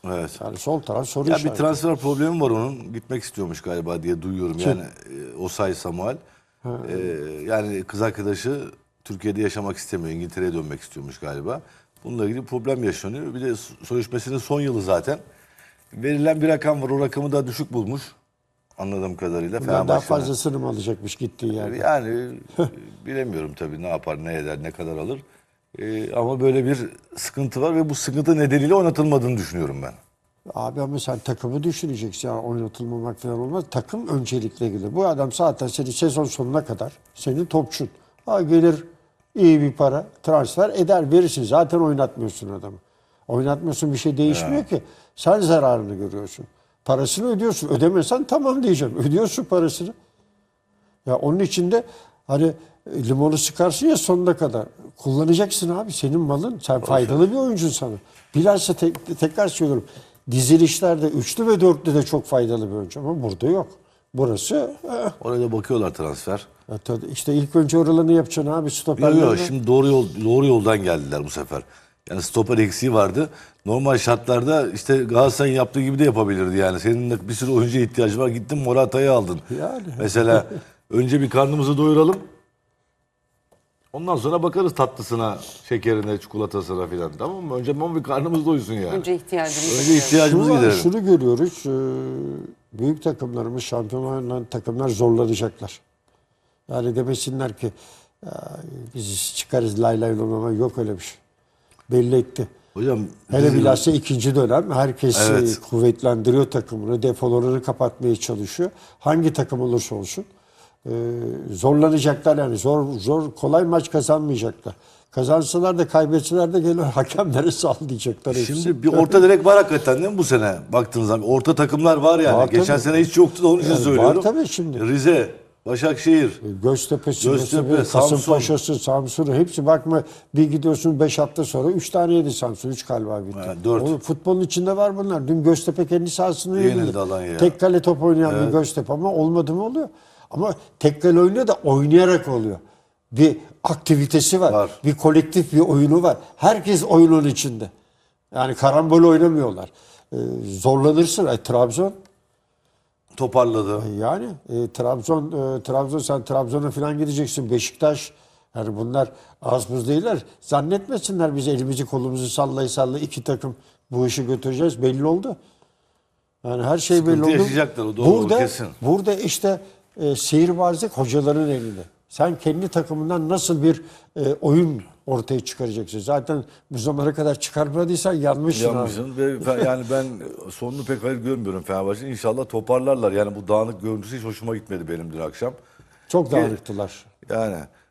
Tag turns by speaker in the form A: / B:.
A: Evet.
B: Yani sol taraf soru
A: Ya bir
B: işareti.
A: transfer problemi var onun. Gitmek istiyormuş galiba diye duyuyorum. Yani Osay Samuel. Yani kız arkadaşı Türkiye'de yaşamak istemiyor. İngiltere'ye dönmek istiyormuş galiba. Bununla ilgili problem yaşanıyor. Bir de sözleşmesinin son yılı zaten. Verilen bir rakam var. O rakamı da düşük bulmuş. Anladığım kadarıyla.
B: Bundan daha
A: Fenerbahçe'nin.
B: fazlasını mı alacakmış gittiği yerde?
A: Yani bilemiyorum tabii ne yapar, ne eder, ne kadar alır. Ama böyle bir sıkıntı var ve bu sıkıntı nedeniyle oynatılmadığını düşünüyorum ben.
B: Abi ama sen takımı düşüneceksin. Yani oynatılmamak falan olmaz. Takım öncelikle gelir. Bu adam zaten senin sezon sonuna kadar senin topçun. Ha gelir iyi bir para transfer eder verirsin. Zaten oynatmıyorsun adamı. Oynatmıyorsun bir şey değişmiyor ki. Sen zararını görüyorsun. Parasını ödüyorsun. Ödemesen tamam diyeceğim. Ödüyorsun parasını. Ya onun için de hani limonu sıkarsın ya sonuna kadar. Kullanacaksın abi. Senin malın. Sen faydalı bir oyuncun sana. Bilhassa tekrar söylüyorum. Dizilişlerde üçlü ve dörtlü de çok faydalı bir oyuncu. Ama burada yok. Burası
A: Oraya da bakıyorlar transfer.
B: işte ilk önce oralarını yapacaksın abi.
A: Yok
B: Stoperlerine.
A: yok şimdi doğru yoldan geldiler bu sefer. Yani stoper eksiği vardı. Normal şartlarda işte Galatasaray'ın yaptığı gibi de yapabilirdi yani. Senin de bir sürü oyuncuya ihtiyacı var. Gittin Morata'yı aldın.
B: Yani.
A: Mesela önce bir karnımızı doyuralım. Ondan sonra bakarız tatlısına, şekerine, çikolatasına filan. Tamam mı? Önce bir karnımız doysun yani.
C: Önce ihtiyacımız.
A: Önce ihtiyacımızı giderelim.
B: Şunu görüyoruz. Büyük takımlarımız, şampiyon oynayan takımlar zorlanacaklar. Yani demesinler ki biz çıkarız lay lay lomama. Yok öyle bir şey. Belli etti.
A: Hocam
B: Hele bilhassa ikinci dönem herkes
A: Evet.
B: kuvvetlendiriyor takımını. Defolarını kapatmaya çalışıyor. Hangi takım olursa olsun. Zorlanacaklar yani. Kolay maç kazanmayacaklar. Kazansalar da kaybetseler de gelir hakemlere sağlayacaklar.
A: Şimdi bir orta direk var hakikaten değil mi bu sene? Baktığınız zaman orta takımlar var yani.
B: Var
A: Geçen
B: tabii.
A: sene hiç yoktu da onun için
B: Yani
A: söylüyorum.
B: var tabii şimdi.
A: Rize, Başakşehir.
B: Göztepe, Kasımpaşa'sı, Samsun'u hepsi bakma bir gidiyorsun 5 hafta sonra 3 taneydi Samsun. 3 galiba bitti.
A: Ha, 4.
B: Oğlum, futbolun içinde var bunlar. Dün Göztepe kendi sahasını
A: Yenildi Alanya'ya.
B: tek kale top oynayan bir Göztepe ama olmadı mı oluyor. Ama tek kale oynuyor da oynayarak oluyor. Bir aktivitesi var. Bir kolektif bir oyunu var. Herkes oyunun içinde. Yani karambol oynamıyorlar. Zorlanırsın. Trabzon
A: Toparladı.
B: yani Trabzon sen Trabzon'a falan gideceksin. Beşiktaş yani bunlar az buz değiller. Zannetmesinler biz elimizi kolumuzu sallay iki takım bu işi götüreceğiz. Belli oldu. Yani her şey
A: Sıkıntı
B: belli oldu.
A: yaşayacaklar, o doğru, kesin.
B: Burada işte sihirbazlık hocaların elinde. Sen kendi takımından nasıl bir oyun ortaya çıkaracaksın. Zaten bu zamana kadar çıkarmadıysan yanmışsın.
A: Yanmışsın ve yani ben sonunu pek hayır görmüyorum Fenerbahçe'nin. İnşallah toparlarlar. Yani bu dağınık görüntüsü hiç hoşuma gitmedi benim dün akşam.
B: Çok dağınıktılar.
A: Yani